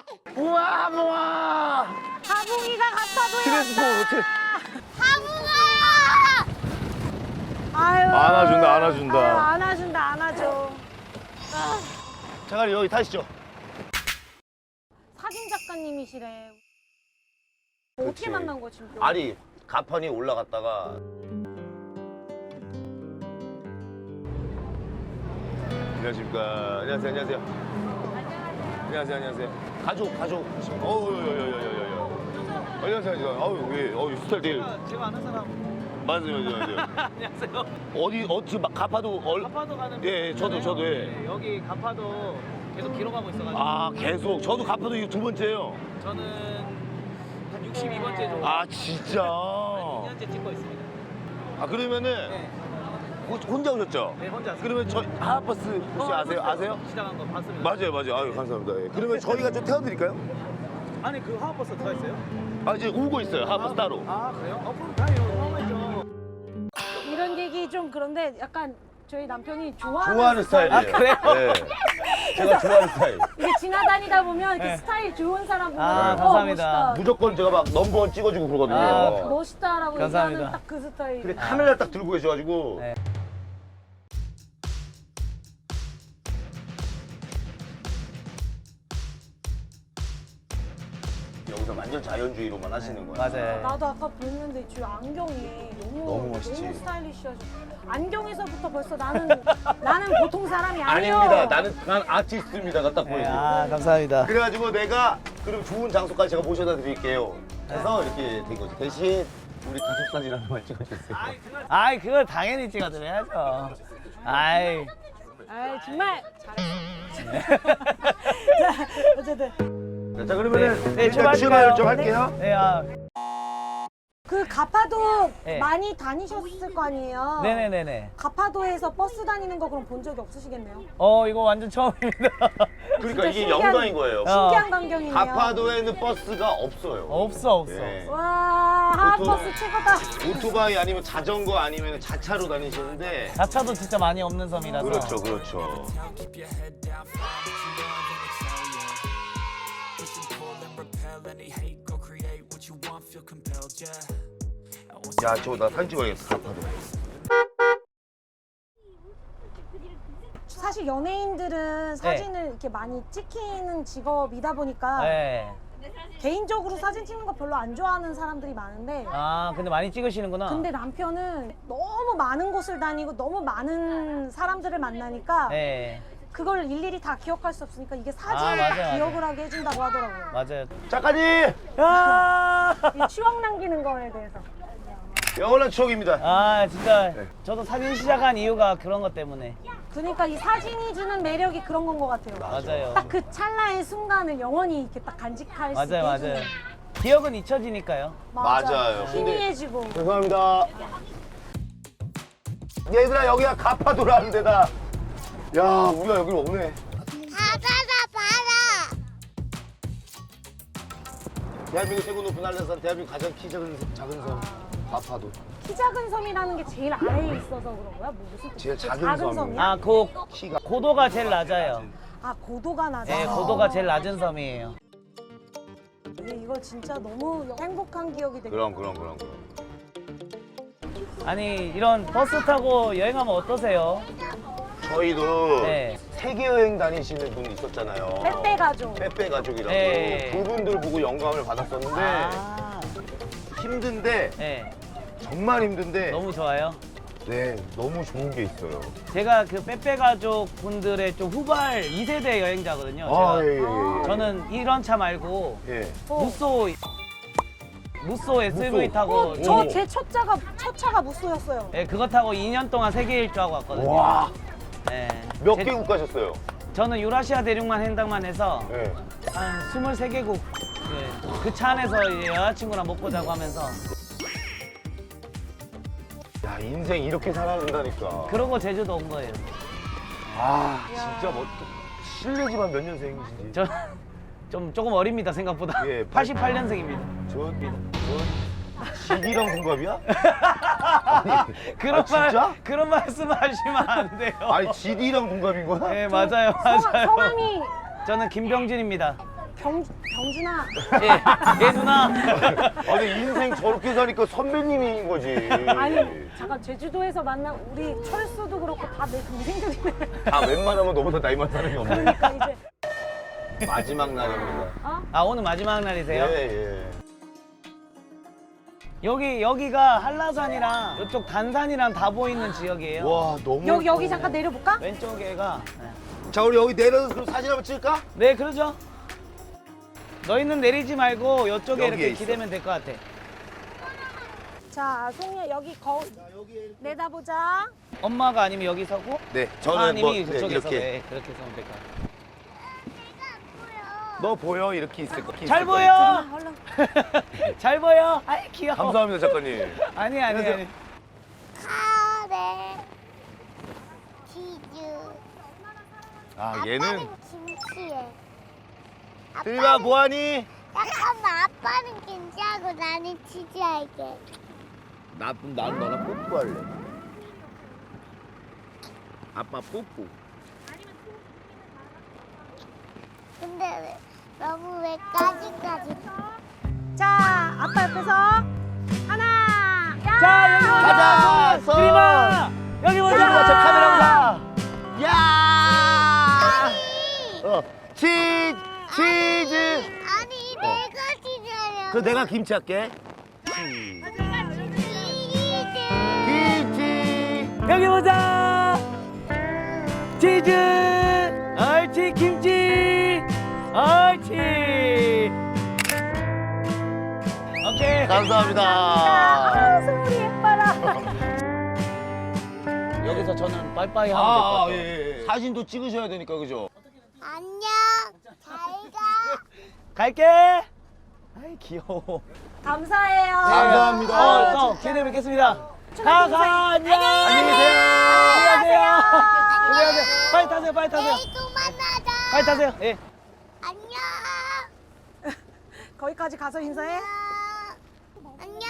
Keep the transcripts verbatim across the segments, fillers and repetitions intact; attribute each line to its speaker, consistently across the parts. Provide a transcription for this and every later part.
Speaker 1: 우와 하붕아.
Speaker 2: 하붕이가 가파도에
Speaker 1: 트랜스포 호텔.
Speaker 2: 하붕아! 아유.
Speaker 1: 안아준다, 안아준다.
Speaker 2: 아유, 안아준다, 안아줘.
Speaker 1: 잠깐 여기 타시죠.
Speaker 2: 사진 작가님이시래. 어떻게
Speaker 1: 그치.
Speaker 2: 만난 거지? 지금?
Speaker 1: 아니 가판이 올라갔다가. 안녕하십니까. 안녕하세요. 안녕하세요. 안녕하세요. 안녕하세요. 가족 가족. 어우 여여여여여. 안녕하세요. 안녕하세요. 어우 왜? 어우 스타일 되게.
Speaker 3: 제가 아는 사람.
Speaker 1: 맞아요, 맞아요, 맞아요.
Speaker 3: 안녕하세요.
Speaker 1: 어디 어디 막 가파도 얼.
Speaker 3: 가파도 가는.
Speaker 1: 예, 예, 저도,
Speaker 3: 길이잖아요.
Speaker 1: 저도, 예.
Speaker 3: 네, 여기 가파도 계속 길어가고 있어가지고.
Speaker 1: 아 계속. 저도 가파도 이거 두 번째예요.
Speaker 3: 저는 한 육십이 번째 정도.
Speaker 1: 아 진짜.
Speaker 3: 이 년째 찍고 있습니다.
Speaker 1: 아 그러면은
Speaker 3: 네,
Speaker 1: 호- 혼자 오셨죠?
Speaker 3: 네 혼자. 왔어요.
Speaker 1: 그러면 저 하하버스 혹시
Speaker 3: 어,
Speaker 1: 아세요?
Speaker 3: 봤어요.
Speaker 1: 아세요?
Speaker 3: 시작한 거 봤습니다.
Speaker 1: 맞아요, 맞아요. 아유 감사합니다. 예. 그러면 저희가 좀 태워드릴까요?
Speaker 3: 아니 그 하우버스 들어 있어요?
Speaker 1: 아 이제 오고 있어요. 하하버스 따로.
Speaker 3: 아 그래요? 어 그럼 다행이에요. 처음이죠.
Speaker 2: 이런 얘기 좀 그런데 약간 저희 남편이 좋아하는,
Speaker 1: 좋아하는 스타일이에요.
Speaker 3: 아, 그래요?
Speaker 1: 네. 제가 좋아하는 스타일.
Speaker 2: 이게 지나다니다 보면 이렇게
Speaker 3: 네.
Speaker 2: 스타일 좋은 사람 보면
Speaker 3: 아,
Speaker 2: 어,
Speaker 3: 감사합니다.
Speaker 2: 멋있다.
Speaker 1: 무조건 제가 막 넘버원 찍어주고 그러거든요.
Speaker 3: 아,
Speaker 2: 멋있다라고
Speaker 3: 감사합니다.
Speaker 2: 얘기하는 딱 그 스타일.
Speaker 1: 근데 카메라 딱 들고 계셔가지고.
Speaker 3: 네.
Speaker 1: 여기서 완전 자연주의로만 하시는 거예요.
Speaker 3: 맞아요.
Speaker 2: 나도 아까 보는데 저 안경이 너무
Speaker 1: 너무 멋있지.
Speaker 2: 너무 스타일리시하죠. 안경에서부터 벌써 나는 나는 보통 사람이 아니에요.
Speaker 1: 아닙니다. 나는 난 아티스트입니다가 딱
Speaker 3: 네,
Speaker 1: 보여요.
Speaker 3: 아 감사합니다.
Speaker 1: 그래가지고 내가 그럼 좋은 장소까지 제가 모셔다 드릴게요. 해서 이렇게 된 거지. 대신 우리 가족 사진 하나만 찍어주세요.
Speaker 3: 아이 그걸 당연히 찍어드려야죠. 아이.
Speaker 2: 아 정말 잘했어. 자, 어쨌든
Speaker 1: 자 그러면은
Speaker 3: 네, 네,
Speaker 1: 일단
Speaker 3: 출발할까요?
Speaker 1: 출발을 좀 할게요.
Speaker 3: 네, 아,
Speaker 2: 그 가파도
Speaker 3: 네.
Speaker 2: 많이 다니셨을 거 아니에요.
Speaker 3: 네네네네.
Speaker 2: 가파도에서 버스 다니는 거 그럼 본 적이 없으시겠네요.
Speaker 3: 어 이거 완전 처음입니다.
Speaker 1: 그러니까 이게
Speaker 2: 신기한-
Speaker 1: 영광인 거예요.
Speaker 3: 어.
Speaker 2: 신기한 광경이네요.
Speaker 1: 가파도에는 버스가 없어요.
Speaker 3: 없어 없어.
Speaker 1: 네.
Speaker 2: 와 하하버스
Speaker 1: 보통-
Speaker 2: 최고다.
Speaker 1: 오토바이 아니면 자전거 아니면 자차로 다니시는데.
Speaker 3: 자차도 진짜 많이 없는 섬이라서.
Speaker 1: 그렇죠, 그렇죠.
Speaker 4: Keep your head down, find what you love and excel, yeah. Push and pull and repel any hate, go create what you want, feel compelled, yeah. And once
Speaker 1: 야, 저 나 사진 찍어야겠다. 가파도.
Speaker 2: 사실 연예인들은 사진을 이렇게 많이 찍히는 직업이다 보니까
Speaker 3: 네.
Speaker 2: 개인적으로 사진 찍는 거 별로 안 좋아하는 사람들이 많은데
Speaker 3: 아 근데 많이 찍으시는구나.
Speaker 2: 근데 남편은 너무 많은 곳을 다니고 너무 많은 사람들을 만나니까
Speaker 3: 네
Speaker 2: 그걸 일일이 다 기억할 수 없으니까 이게 사진을
Speaker 3: 아, 맞아요,
Speaker 2: 기억을 하게 해준다고 하더라고요.
Speaker 3: 맞아요.
Speaker 1: 작가님!
Speaker 3: 아,
Speaker 2: 이 추억 남기는 거에 대해서.
Speaker 1: 영원한 추억입니다.
Speaker 3: 아 진짜
Speaker 1: 네.
Speaker 3: 저도 사진 시작한 이유가 그런 것 때문에.
Speaker 2: 그러니까 이 사진이 주는 매력이 그런 건 것 같아요.
Speaker 3: 맞아요.
Speaker 2: 딱 그 찰나의 순간을 영원히 이렇게 딱 간직할 수 있게
Speaker 3: 맞아요
Speaker 2: 해주는.
Speaker 3: 맞아요. 기억은 잊혀지니까요.
Speaker 1: 맞아요.
Speaker 2: 희미해지고.
Speaker 1: 죄송합니다. 얘들아, 여기가 가파도라는 데다. 야, 우리가 여기 없네.
Speaker 5: 바다다 바다.
Speaker 1: 대한민국 최고 높은 한라산, 대한민국 가장 키 작은, 작은 섬, 가파도.
Speaker 2: 키 작은 섬이라는 게 제일 아래에 있어서 그런 거야? 뭐 무슨
Speaker 1: 제일
Speaker 2: 뜻이야?
Speaker 1: 작은 섬이에요.
Speaker 2: 섬이야?
Speaker 3: 아 그
Speaker 1: 키가.
Speaker 3: 고도가 제일 낮아요.
Speaker 2: 아 고도가 낮아.
Speaker 3: 네 고도가 제일 낮은 섬이에요.
Speaker 2: 이거 진짜 너무 행복한 기억이 되게.
Speaker 1: 그럼, 그럼, 그럼, 그럼.
Speaker 3: 아니 이런 버스 타고 여행하면 어떠세요?
Speaker 1: 저희도
Speaker 3: 네.
Speaker 1: 세계 여행 다니시는 분 있었잖아요.
Speaker 2: 빼빼 가족.
Speaker 1: 빼빼 가족이라고.
Speaker 3: 네.
Speaker 1: 그분들 보고 영감을 받았었는데
Speaker 3: 아,
Speaker 1: 힘든데
Speaker 3: 네
Speaker 1: 정말 힘든데
Speaker 3: 너무 좋아요.
Speaker 1: 네 너무 좋은 게 있어요.
Speaker 3: 제가 그 빼빼 가족 분들의 좀 후발 이 세대 여행자거든요.
Speaker 1: 아,
Speaker 3: 제가.
Speaker 1: 예, 예, 예.
Speaker 3: 저는 이런 차 말고
Speaker 1: 예.
Speaker 2: 어.
Speaker 3: 무쏘 무쏘 에스유브이
Speaker 1: 무쏘.
Speaker 3: 타고
Speaker 2: 어,
Speaker 1: 오.
Speaker 2: 저 제 첫 차가 첫 차가 무쏘였어요.
Speaker 3: 예, 그거 타고 이 년 동안 세계 일주하고 왔거든요.
Speaker 1: 와,
Speaker 3: 예.
Speaker 1: 몇
Speaker 3: 제-
Speaker 1: 개국 가셨어요?
Speaker 3: 저는 유라시아 대륙만 횡단만 해서
Speaker 1: 예.
Speaker 3: 한 스물세 개국 예, 그 차 안에서 이제 여자친구랑 먹고 자고 하면서
Speaker 1: 야, 인생 이렇게 살아야 된다니까.
Speaker 3: 그러고 제주도 온 거예요.
Speaker 1: 아, 진짜 뭐 실례지만 몇 년생이신지.
Speaker 3: 저 좀 조금 어립니다 생각보다.
Speaker 1: 예,
Speaker 3: 팔십팔 년생입니다.
Speaker 1: 저, 저 지디랑 동갑이야? 아니,
Speaker 3: 그런
Speaker 1: 아, 진짜?
Speaker 3: 말 그런 말씀하시면 안 돼요.
Speaker 1: 아니, 지디랑 동갑인 거야?
Speaker 3: 예, 맞아요,
Speaker 2: 성,
Speaker 3: 맞아요.
Speaker 2: 성함이
Speaker 3: 저는 김병진입니다.
Speaker 2: 병, 병준아.
Speaker 3: 예, 예 누나.
Speaker 1: 아니 인생 저렇게 사니까 선배님인 거지.
Speaker 2: 아니, 잠깐, 제주도에서 만난 우리 철수도 그렇고 다 내 동생들이네.
Speaker 1: 다 웬만하면 너보다 나이 많은 사람이 없네.
Speaker 2: 그러니까 이제.
Speaker 1: 마지막 날입니다.
Speaker 2: 어?
Speaker 3: 아 오늘 마지막 날이세요?
Speaker 1: 예, 예.
Speaker 3: 여기 여기가 한라산이랑 이쪽 단산이랑 다 보이는 지역이에요.
Speaker 1: 와 너무.
Speaker 2: 여기, 여기
Speaker 1: 예뻐.
Speaker 2: 잠깐 내려볼까?
Speaker 3: 왼쪽에가.
Speaker 1: 자 우리 여기 내려서 그럼 사진 한번 찍을까?
Speaker 3: 네 그러죠. 너희는 내리지 말고 이쪽에
Speaker 1: 여기에
Speaker 3: 이렇게
Speaker 1: 있어.
Speaker 3: 기대면 될 것 같아.
Speaker 2: 자, 송이야, 여기 거울. 내다보자.
Speaker 3: 엄마가 아니면 여기 서고
Speaker 1: 네. 저는
Speaker 3: 아님이
Speaker 1: 뭐 네,
Speaker 3: 그쪽에 서고
Speaker 1: 이렇게.
Speaker 3: 네, 그렇게 서면 될 것 같아.
Speaker 1: 너 보여 이렇게 있을 거.
Speaker 3: 잘
Speaker 1: 있을
Speaker 3: 보여.
Speaker 1: 거야.
Speaker 2: 얼른.
Speaker 3: 잘 보여. 아이 귀여워.
Speaker 1: 감사합니다 작가님.
Speaker 3: 아니 아니 아니.
Speaker 5: 카레 치즈
Speaker 1: 아
Speaker 5: 아빠는
Speaker 1: 얘는
Speaker 5: 김치에
Speaker 1: 들이가 뭐하니?
Speaker 5: 잠깐만 아빠는 김치하고 나는 치즈 할게
Speaker 1: 나 나는 너랑 뽀뽀할래. 아빠 뽀뽀.
Speaker 5: 근데 왜, 너무 왜 까지까지
Speaker 2: 자, 아빠 옆에서. 하나. 야!
Speaker 3: 자 여기 보자.
Speaker 1: 가자, 서.
Speaker 3: 그림아 여기 보자.
Speaker 1: 야, 저 카메라 보자. 야!
Speaker 5: 아니
Speaker 1: 어, 치즈, 치즈.
Speaker 5: 아니 내가 치즈하려
Speaker 1: 그 내가 김치 할게.
Speaker 5: 치즈
Speaker 1: 김치.
Speaker 3: 여기 보자. 치즈. 옳지 김치. 옳지. 오케이.
Speaker 1: 감사합니다.
Speaker 2: 아, 소리 예뻐라.
Speaker 3: 여기서 저는 빠이빠이 하면 될 것
Speaker 1: 아,
Speaker 3: 같아요.
Speaker 1: 예, 예. 사진도 찍으셔야 되니까 그죠?
Speaker 5: 안녕 잘가
Speaker 3: 갈게. 아이 귀여워.
Speaker 2: 감사해요.
Speaker 1: 감사합니다.
Speaker 3: 어, 또 기대해 뵙겠습니다. 가, 가, 안녕.
Speaker 1: 안녕히 계세요.
Speaker 3: 안녕하세요. 안녕하세요. 빨리 타세요, 빨리 타세요.
Speaker 5: 내일 또 만나자
Speaker 3: 빨리 타세요. 예.
Speaker 5: 안녕
Speaker 2: 거기까지 가서 인사해.
Speaker 5: 안녕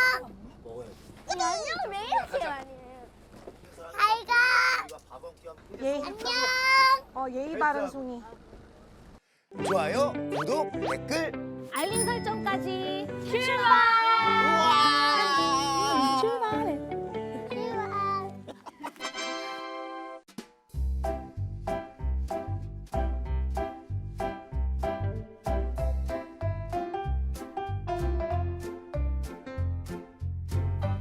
Speaker 5: 안녕 왜 이렇게 많이 해요 잘가
Speaker 2: 예의,
Speaker 5: 안녕
Speaker 2: 어, 예의 바른 송이.
Speaker 1: 좋아요, 구독, 댓글.
Speaker 2: 알림 설정까지.
Speaker 5: 출발